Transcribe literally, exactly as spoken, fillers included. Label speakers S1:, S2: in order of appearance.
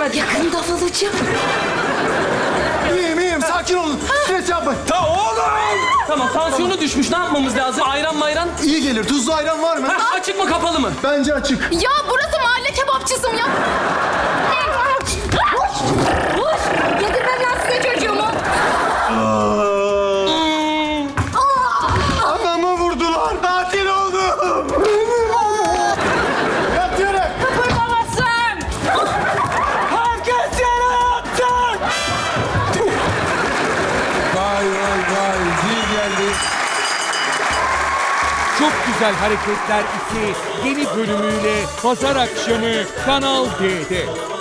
S1: hadi.
S2: Yakında olacağım.
S3: İyiyim iyiyim sakin olun. Stres yapmayın.
S1: Ta oğlum! Tamam, tansiyonu düşmüş. Ne yapmamız lazım? Ayran mayran?
S3: İyi gelir. Tuzlu ayran var mı?
S1: Heh, açık mı kapalı mı?
S3: Bence açık.
S2: Ya burası mahalle kebapçısı mı ya? Yedirmem lan size çocuğumu.
S3: Anamı vurdular. Katil oldum. Yatıyorum.
S2: Kıpırdamazsın.
S1: Herkes yere yatsın!
S4: Vay vay vay. Zil geldi.
S5: Çok Güzel Hareketler iki yeni bölümüyle pazar akşamı Kanal D'de.